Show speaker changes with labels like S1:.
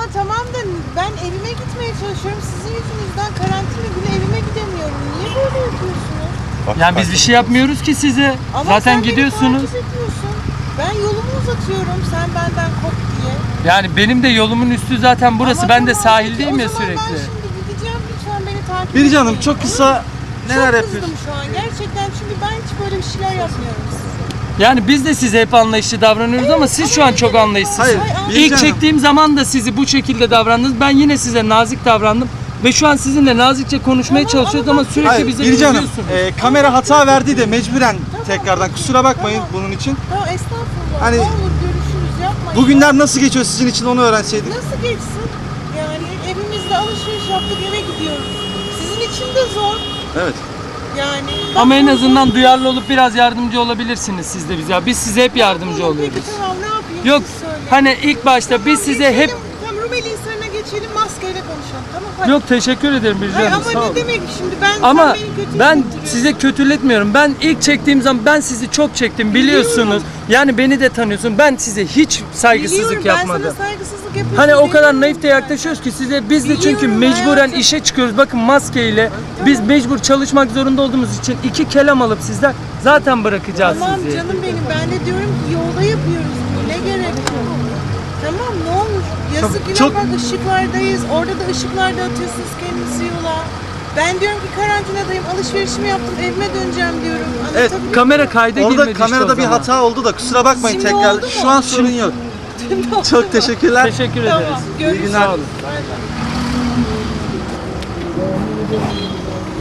S1: tamam da ben evime gitmeye çalışıyorum. Sizin yüzünüzden karantina günü evime gidemiyorum. Niye böyle yapıyorsunuz?
S2: Yani biz bir şey yapmıyoruz ki size.
S1: Ama
S2: Zaten
S1: sen
S2: gidiyorsunuz.
S1: beni takip ediyorsun. Ben yolumu uzatıyorum sen benden kop diye.
S2: Yani benim de yolumun üstü zaten burası.
S1: Ama
S2: ben de
S1: tamam,
S2: sahildeyim
S1: peki,
S2: ya
S1: o zaman
S2: sürekli.
S1: ben şimdi gideceğim, lütfen beni takip
S3: Biricik
S1: etmeyin.
S3: Hanım çok kısa neler
S1: Çok
S3: yapıyorsun?
S1: kızdım şu an gerçekten çünkü ben hiç böyle bir şeyler yapmıyorum size.
S2: Yani biz de size hep anlayışlı davranıyoruz ama siz şu an çok anlayışsızsınız.
S3: Hayır, Biricik
S2: İlk
S3: Hanım.
S2: çektiğim zaman da sizi bu şekilde davrandınız. Ben yine size nazik davrandım. Ve şu an sizinle nazikçe konuşmaya
S1: Tamam,
S2: çalışıyoruz
S1: ama
S2: ama
S1: bak-
S2: sürekli
S3: Hayır,
S2: bize
S3: Biricik Hanım,
S2: üzüyorsunuz.
S3: kamera hata verdi de mecburen tekrardan kusura bakmayın bunun için.
S1: Tamam estağfurullah.
S3: Hani-
S1: Ne olur görüşürüz yapmayın.
S3: Bugünler nasıl geçiyor sizin için onu öğrenseydik.
S1: Nasıl geçsin? Yani evimizde alışveriş yaptık eve gidiyoruz. Sizin için de zor.
S3: Evet.
S1: Yani.
S2: Ama en azından duyarlı olup biraz yardımcı olabilirsiniz siz de bize. Biz size hep yardımcı oluyoruz.
S1: Peki tamam ne yapayım
S2: Yok
S1: siz söyleyin.
S2: hani ilk başta biz size hep...
S1: Tamam Rumeli Hisarı'na geçelim maskeyle konuşalım tamam hadi.
S2: Yok teşekkür ederim Biricik
S1: Hayır,
S2: Hanım,
S1: ama
S2: sağ
S1: ne
S2: olun.
S1: demek şimdi ben
S2: Ama
S1: sen beni kötü
S2: ben
S1: hissettiriyorsun.
S2: size kötületmiyorum. Ben ilk çektiğim zaman ben sizi çok çektim biliyorsunuz.
S1: Biliyorum.
S2: Yani beni de tanıyorsun. Ben size hiç saygısızlık
S1: Biliyorum,
S2: yapmadım.
S1: Ben sana saygısızlık yapıyorum.
S2: Hani o kadar
S1: Biliyorum
S2: naif de
S1: ben.
S2: yaklaşıyoruz ki size biz de çünkü
S1: Biliyorum
S2: mecburen
S1: hayatım.
S2: işe çıkıyoruz. Bakın maskeyle biz mecbur çalışmak zorunda olduğumuz için 2 kelam alıp sizden zaten bırakacağız
S1: Tamam
S2: sizi.
S1: canım benim ben de diyorum ki yolda yapıyoruz bunu ne gerek yok. Tamam ne olur yazık günah
S3: çok-
S1: bak ışıklardayız orada da ışıklarda atıyorsunuz kendinizi yola. Ben diyorum ki karantinadayım alışverişimi yaptım evime döneceğim diyorum.
S3: Evet,
S1: Anlatabiliyor muyum?
S2: Kamera kayda girmedi
S3: Orada
S2: işte
S3: kamerada
S2: o
S3: bir
S2: zaman.
S3: hata oldu da kusura bakmayın
S1: Şimdi
S3: tekrar.
S1: oldu mu?
S3: Şu an sorun yok.
S1: Tamam.
S3: Çok teşekkürler.
S2: Teşekkür ederiz.
S1: Tamam görüşürüz.
S2: Sağ olun.
S1: Bay bay.